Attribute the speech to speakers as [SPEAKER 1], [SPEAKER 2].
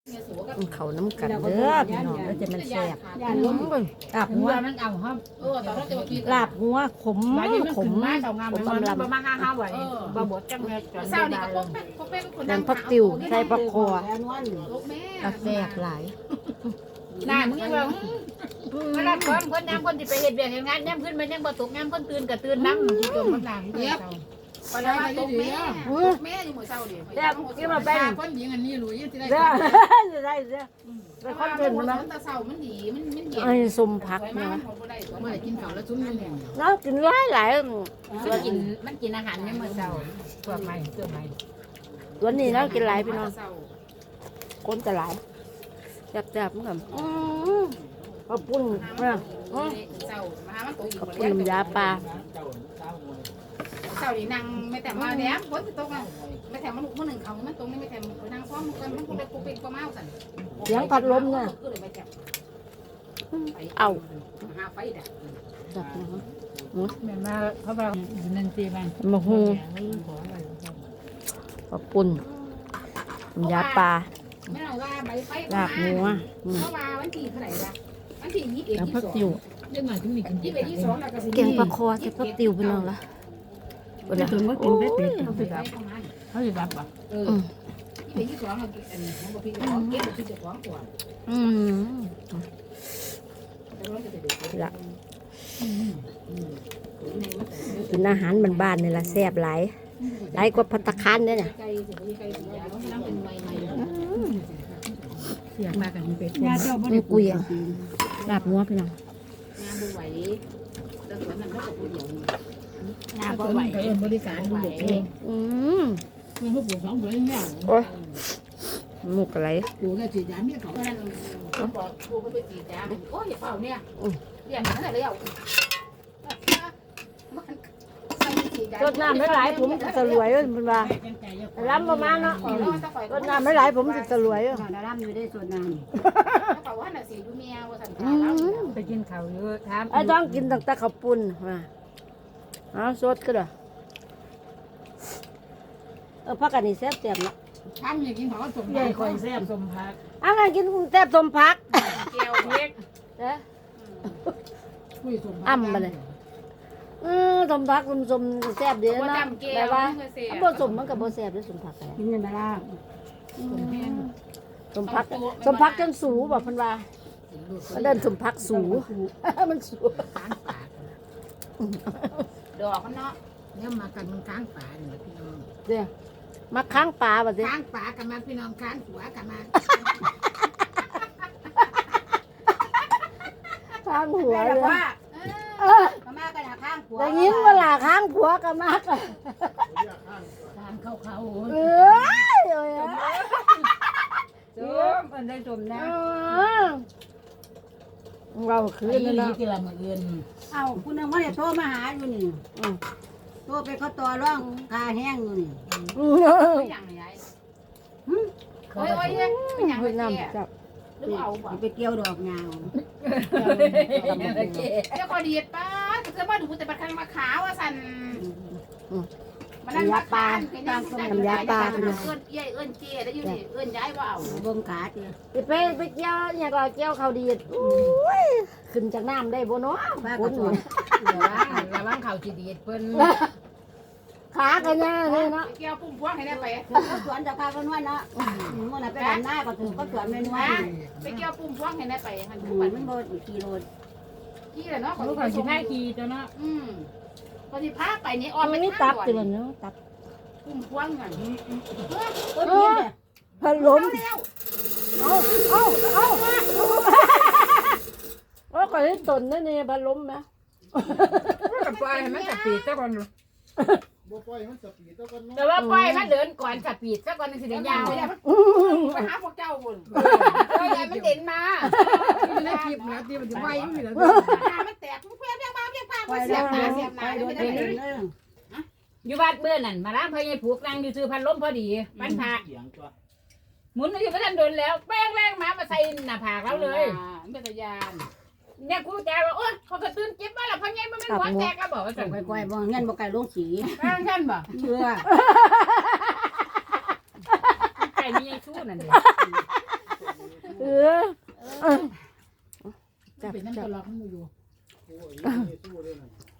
[SPEAKER 1] เขาน้ำกันเด้อพี่น้องแล้วจะมันแซ่บลาบหัว
[SPEAKER 2] มันเอาครับ
[SPEAKER 1] ลาบหัวขมขม
[SPEAKER 2] มาสองงามมันมาห้าไหวบ่บดจังเลยเศร้านี่ก็
[SPEAKER 1] แดงผักติวใส่ผักคอแซ่บหลาย
[SPEAKER 2] น่ามึงยังว่าเวลาคนน้ำคนที่ไปเห็ดเบียงงานน้ำขึ้นมันยังบ่ตกน้ำคนตื่นกับตื่นน้ำที่จมมันหลังเนี่ยไปแล้วตกแม่แม่อยู่หมู่เศร้าดิ
[SPEAKER 1] แซ่บกินมาเป็น
[SPEAKER 2] คนหญิงอันนี้รู้ยังที่ได้
[SPEAKER 1] ได้ได้ไปคอนเทนต์นะ
[SPEAKER 2] ตาเศร้ามันดีมันเย็น
[SPEAKER 1] ไอ้สมผักเนี่ย
[SPEAKER 2] เมื่อกินข้าวแล้วจุ้มนี่เนี่ย
[SPEAKER 1] แล้วกินหลาย
[SPEAKER 2] มันกินอาหารเนี่ยเมื่อเช้าตัวใหม่
[SPEAKER 1] วันนี้แล้วกินหลายพี่น้องคนจะหลายแซ่บๆเหมือนกันข้าวปุ้นนะข้าวปุ้นน้ำยาปลา
[SPEAKER 2] เช้านี่นั่งไม่แต่มาแดมฝนตกอ่ะไม่แต่มันลูกมันหนึ่งเขามันตรงนี้ไม่แต่นั่งพร้อมกันมันคงได้กูเป็นก็เมาสั่น
[SPEAKER 1] เสียงพัดลมเนี่ยเอา
[SPEAKER 2] หาไฟดับ
[SPEAKER 1] จับนะ
[SPEAKER 2] แม่มาเขาบอกนันตีมัน
[SPEAKER 1] มะฮูข้าวปุ้นน้ำยาปลา
[SPEAKER 2] ไม่เอาว่าใบไฟ
[SPEAKER 1] ลาบหัว
[SPEAKER 2] เขาว่าวันที่เท่าไหร่ละวันที่21
[SPEAKER 1] แล้วผักติว
[SPEAKER 2] เรื่องหน่อยที่มีกัน22แล้วก็สิ
[SPEAKER 1] แกงปลาคอใส่ผักติวพี่น้องละวันนี้ก็กินได้เป็ดเขาสิรับเขาสิรับป่ะ
[SPEAKER 2] 22เราอันนี้ของพี่ของเก็บที่จะของก่อน
[SPEAKER 1] ละกินอาหารบ้านๆนี่ละแซ่บหลายหลายกว่าภัตตาคารเนี่ยนะ
[SPEAKER 2] เสียงมากันเป็ด
[SPEAKER 1] นี่กุยลาบงัวพี่น้อง
[SPEAKER 2] งานบ่ไหวแต่สวนนั้นเขาก็ผู้เดียวงานบ่
[SPEAKER 3] ก็
[SPEAKER 2] ไหว
[SPEAKER 3] เอิ้นบริการดูเด็กเองมันก็ปลูก2 เดือนแล้ว
[SPEAKER 1] โอ้ยหมูกอะไร
[SPEAKER 3] ปลูกแล้วสิยามเนี่ยเขา
[SPEAKER 2] เพราะนั้นเขาบอกครูเขาไปจีดยาโอ้ยอย่าเป่าเนี่ยเรียนนั่นแหละแล้ว
[SPEAKER 1] รดน้ำไม่หลายผมจะรวยมันว่าล้ำประมาณเนาะรดน้ำไม่หลายผมจะรวย
[SPEAKER 3] ดาราอยู่ได้ส่วนน้
[SPEAKER 2] เป่าว่าน่ะสิดูเมียว่าสัน
[SPEAKER 3] ำไปกินข้าวเยอะถาม
[SPEAKER 1] ไอ้ต้องกินตั้งแต่ข้าวปุ้นมาเอาสดก็ได้พักกันนี่แซ่บๆนะ
[SPEAKER 2] ทำอย่างกินเขาก็สม
[SPEAKER 3] ใหญ่ข่อยแซ่บสมพัก
[SPEAKER 1] งั้นกินแซ่บสมพัก
[SPEAKER 2] เกี๊ยวเล็ก
[SPEAKER 1] เด้อ
[SPEAKER 3] คุยสมพัก
[SPEAKER 1] อ้ำมาเลยสมพักสมแซ่บดีนะแต่ว่าบ่สมมันกับบ่แซ่บด้วยสมพักแต่
[SPEAKER 3] กินกันดารา
[SPEAKER 1] สมพักจนสูบอกเพิ่นว่ามันเดินสมพักสูมันสู
[SPEAKER 2] ดอกมันเนาะเนี่ยมากันมันค้างป่าเนี่ยพี่น้อง
[SPEAKER 1] เด้อมาค้างปลาบ่เด้อ
[SPEAKER 2] ค้างป่ากันมาพี่น้องค้างหัวกันมา
[SPEAKER 1] ค้างหัวเลย
[SPEAKER 2] ว่ามากันค้างหัว
[SPEAKER 1] ได้ยินเวลาค้างผัวก็มากเลย
[SPEAKER 3] ทานข้าวเขา
[SPEAKER 1] เอ้ย
[SPEAKER 3] จมมันได้จมนะ
[SPEAKER 1] เราคืน
[SPEAKER 3] นี่
[SPEAKER 1] นั่น
[SPEAKER 3] นี่
[SPEAKER 1] เนาะ
[SPEAKER 3] กี่ละมื้ออื่น
[SPEAKER 4] เอาคุณนึงว่าเนี่ยโทรมาหาอยู่นี่โทรไปเขาต่อร่องกาแห้งอยู่นี่
[SPEAKER 2] อย่างไรโอ้ยโอ้ยเป็นอย่าง
[SPEAKER 1] เวียด
[SPEAKER 2] ไร
[SPEAKER 1] นาม
[SPEAKER 2] เนี่ย
[SPEAKER 1] จับ
[SPEAKER 2] หรือเอาบ่
[SPEAKER 4] ไปเกี่ยวดอกยาว
[SPEAKER 2] เจ้าคอดีป้าจะมาดูแต่ประคังมาขาวอ่ะสันมันนั่นมาปานเป็นน้ำส้มน้ำยาปลาเอื้อนเอี้ยเอื้อนเจี๊ยได้อยู่นี่เอื้อนย้ายว่าเอา
[SPEAKER 4] เบิ่งขาเตี้ย
[SPEAKER 1] ไปเกี่ยวอย่างก็เกี่ยวเขาดีอุ้ยขึ้นจากน้ำได้บ่เนาะ
[SPEAKER 4] ป้า
[SPEAKER 1] ค
[SPEAKER 4] ก็
[SPEAKER 1] น
[SPEAKER 4] สอน
[SPEAKER 3] ระวังข้าวสิดีดเพิ่น
[SPEAKER 1] ขากันย่าเลยเนาะ
[SPEAKER 2] เกี่ยวปุ่มพวงให้ได้ไป
[SPEAKER 4] เขาสวนจะพากันว่าเนาะมื่อไหร่ไปดำหน้าก็ถือก็สวนเมนู
[SPEAKER 2] ไปเกี่ยวปุ่มพวงให้ได้ไปหัน
[SPEAKER 4] มั
[SPEAKER 2] ปั่
[SPEAKER 4] น
[SPEAKER 2] น
[SPEAKER 4] มันโดนกี่โล
[SPEAKER 2] กี่เลยเนาะ
[SPEAKER 3] ลูกเขาสิพาขี่ตัวเนาะ
[SPEAKER 2] พอที่พาไปนี่ออม
[SPEAKER 1] มัน
[SPEAKER 2] ไป
[SPEAKER 1] มีตับติมันเนาะตับ
[SPEAKER 2] ปุ่มพวงอ่ะ
[SPEAKER 1] พัดลมเอาว่าก่อนที่ตนนั่นนี่พัดลมนะ
[SPEAKER 3] ก็ปล่อยให้มันสปีดซะก่อน
[SPEAKER 5] บ่ปล่อยมันสปีดแล้วก็น้อง
[SPEAKER 2] แต่ว่าปล่อยมันเดินก่อนสปีดซะก่อนสิเดี๋ยวยาวไปหาพวกเจ้าบุญปล่อยมันเด่นมา
[SPEAKER 3] ในคลิปนะที่มันจะไว้อยู่แล้ว
[SPEAKER 2] มันแตกมันเพี้ยนเพี้ยนมาเพี้ยนมาเสียบหน้าเสียบหน้าไม่ได้เลย
[SPEAKER 3] อยู่บ้านเบื่อนั่นมาล้างพายายผูกนั่งอยู่ซื้อพันล้มพอดีมันพา
[SPEAKER 5] เสียงตัว
[SPEAKER 3] หมุนอยู่ไม่ทันโดนแล้วแป้งแรงมาใส่หน้าผากเราเลย
[SPEAKER 2] เป็นตะยาน
[SPEAKER 3] เนี่ยกูแจว่าโอ๊ยเขาก็ตื่นเจ็บมาแล้วพายายมันไม่หัวแตกก็บอกว่าสั่ง
[SPEAKER 4] ค่อยๆบ่เงินบ่ไก่ลงสี
[SPEAKER 3] แป้งท่านบอก
[SPEAKER 4] เชื่อ
[SPEAKER 3] ไก่นี่ยังชู้นั่นเอง
[SPEAKER 1] จับ
[SPEAKER 2] เป็นน้ำ
[SPEAKER 1] จั
[SPEAKER 2] ต
[SPEAKER 1] บ
[SPEAKER 2] ลอดมันอยู่
[SPEAKER 5] โอ้ยสู้ด้วยนะ